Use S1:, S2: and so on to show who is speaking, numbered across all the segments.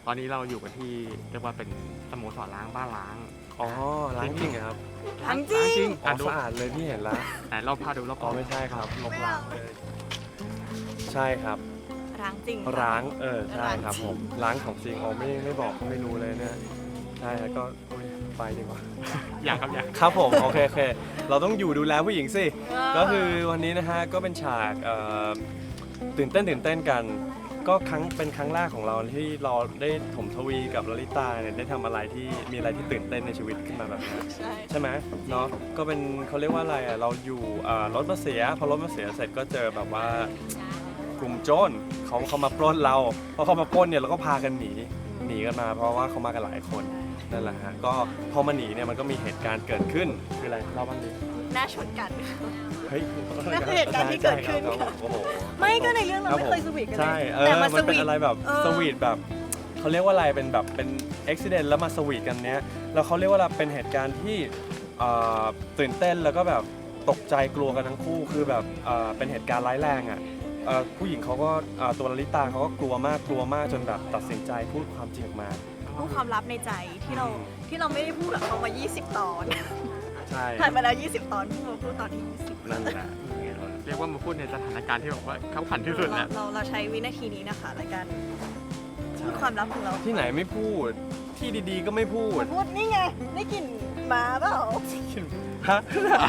S1: ตอนนี้เราอยู่กันที่เรียกว่าเป็นสโมสรล้างบ้านล้าง
S2: อ๋อล้างจริงเหรอครับ
S3: ทั้งจริง
S2: อ๋อสะอาดเลยพี่เห็นแล้ว
S1: ไหนเราพาดูรอบ
S2: อ๋อไม่ใช่ครับ
S1: ลบล้างเลย
S2: ใช่ครับ
S3: ร้างจริง
S2: ร้างใช่ครับ
S3: ร้างจริง
S2: ผมล้างของจริงอ๋อไม่บอกไม่รู้เลยเนี่ยใช่แล้วก็อุ๊ยไปดีกว่า
S1: อย่างครับอย่าง
S2: ครับผมโอเคเราต้องอยู่ดูแลผู้หญิงสิ ก็คือวันนี้นะฮะก็เป็นฉากตื่นเต้นกันก็เป็นครั้งแรกของเราที่เราได้ถมทวีกับลลิตาเนี่ยได้ทำอะไรที่มีอะไรที่ตื่นเต้นในชีวิตขึ้นมาแบบนี้ ใช่ไหมเนาะก็เป็นเขาเรียกว่าอะไรอ่ะเราอยู่รถมาเสียพอรถมาเสียเสร็จก็เจอแบบว่ากลุ่มโจรเขามาปล้นเราพอเขามาปล้นเนี่ยเราก็พากันหนีกันมา เพราะว่าเขามากันหลายคนนั่นแหละฮะก็พอมาหนีเนี่ยมันก็มีเหตุการณ์เกิดขึ้นคืออะไรเล่าบ้างดิ
S3: หน้าชนกัน
S2: เฮ้ย
S3: นั่นคือเหตุการณ์ที่เกิดขึ้น
S2: ใช่ครับโอ้โห
S3: ไม่ก็ในเรื่องเราไม่เคยสวีทกันเล
S2: ใช่
S3: ย
S2: แต่มันเป็นอะไรแบบสวีทแบบเขาเรียกว่าอะไรเป็นแบบเป็นอุบิเหตุแล้วมาสวีทกันเนี้ยแล้วเขาเรียกว่าเป็นเหตุการณ์ที่ตื่นเต้นแล้วก็แบบตกใจกลัวกันทั้งคู่คือแบบเป็นเหตุการณ์ร้ายแรงอ่ะผู้หญิงเขาก็ตัวลลิตาเขาก็กลัวมากจนแบบตัดสินใจพูดความจริงออกมา
S3: พูดความลับในใจที่เราไม่ได้พูดกับเขามา 20 ตอน
S2: ใช่
S3: ผ่านมาแล้ว 20 ตอนเพิ่งมาพูดตอนที่ 20
S2: นั่นแหละ
S1: เรียกว่ามาพูดในสถานการณ์ที่แบบว่าขับขันที่สุดแล้ว
S3: เราใช้วินาทีนี้นะคะในการพูดความลับของเรา
S2: ที่ไหนไม่พูดที่ดีๆก็ไม่พูด
S3: พูดนี่ไงได้กลิ่นหมาเปล่า
S2: ฮะ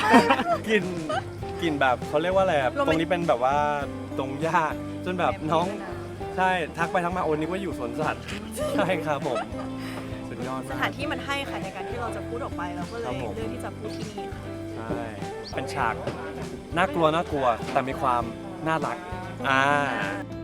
S2: กินแบบเขาเรียกว่าอะไรอะ
S3: โรแมน
S2: ตรงนี้เป็นแบบว่าตรงหญ้าจนแบบน้องใช่ทักไปทักมาโอ้นึกว่าอยู่สวนสัตว์ ใช่ครับผมสุดยอด
S3: ส
S2: มาก
S3: ถานที่มันให้ค่ะในการที่เราจะพูดออกไปเราก็เล
S2: ครั
S3: ย
S2: บผม
S3: เลือกที่จะพูดที่นี่ค่ะ
S2: ใช่เป็นฉากน่ากลัวแต่มีความน่ารัก